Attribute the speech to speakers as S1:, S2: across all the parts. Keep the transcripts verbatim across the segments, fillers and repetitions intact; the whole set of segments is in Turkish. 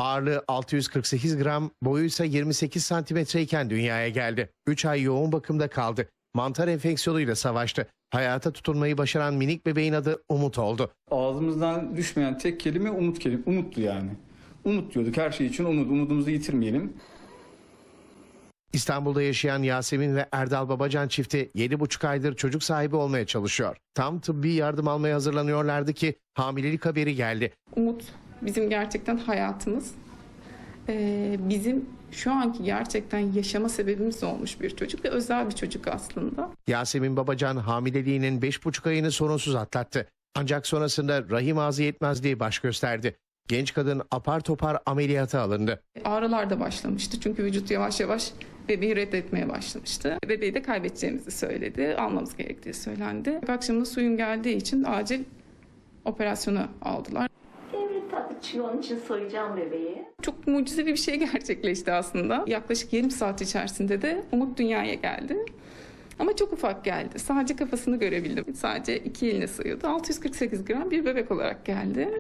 S1: Ağırlığı altı yüz kırk sekiz gram, boyu ise yirmi sekiz santimetreyken dünyaya geldi. üç ay yoğun bakımda kaldı. Mantar enfeksiyonuyla savaştı. Hayata tutunmayı başaran minik bebeğin adı Umut oldu.
S2: Ağzımızdan düşmeyen tek kelime umut kelime. Umuttu yani. Umut diyorduk, her şey için umut. Umudumuzu yitirmeyelim.
S1: İstanbul'da yaşayan Yasemin ve Erdal Babacan çifti yedi buçuk aydır çocuk sahibi olmaya çalışıyor. Tam tıbbi yardım almaya hazırlanıyorlardı ki hamilelik haberi geldi.
S3: Umut bizim gerçekten hayatımız. Ee, bizim şu anki gerçekten yaşama sebebimiz olmuş bir çocuk ve özel bir çocuk aslında.
S1: Yasemin Babacan hamileliğinin beş buçuk ayını sorunsuz atlattı. Ancak sonrasında rahim ağzı yetmezliği baş gösterdi. Genç kadın apar topar ameliyata alındı.
S3: Ağrılar da başlamıştı çünkü vücut yavaş yavaş bebeği reddetmeye başlamıştı. Bebeği de kaybedeceğimizi söyledi, almamız gerektiği söylendi. Akşamında suyun geldiği için acil operasyona aldılar.
S4: Evet tabii, onun için soyacağım bebeği.
S3: Çok mucizevi bir şey gerçekleşti aslında. Yaklaşık yarım saat içerisinde de Umut dünyaya geldi. Ama çok ufak geldi. Sadece kafasını görebildim. Sadece iki eline sığıyordu. altı yüz kırk sekiz gram bir bebek olarak geldi.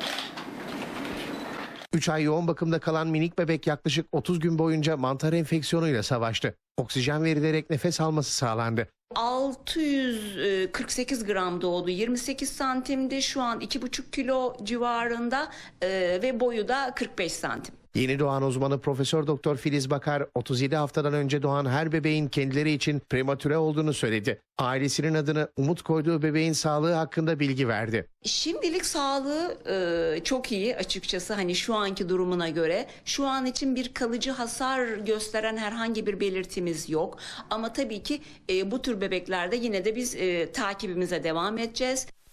S1: üç ay yoğun bakımda kalan minik bebek yaklaşık otuz gün boyunca mantar enfeksiyonuyla savaştı. Oksijen verilerek nefes alması sağlandı.
S5: altı yüz kırk sekiz gram doğdu. yirmi sekiz santimdi. Şu an iki buçuk kilo civarında e, ve boyu da kırk beş santim.
S1: Yeni doğan uzmanı Profesör Doktor Filiz Bakar, otuz yedi haftadan önce doğan her bebeğin kendileri için prematüre olduğunu söyledi. Ailesinin adını Umut koyduğu bebeğin sağlığı hakkında bilgi verdi.
S5: Şimdilik sağlığı e, çok iyi açıkçası, hani şu anki durumuna göre. Şu an için bir kalıcı hasar gösteren herhangi bir belirtimiz yok. Ama tabii ki e, bu tür bebeklerde yine de biz e, takibimize devam edeceğiz.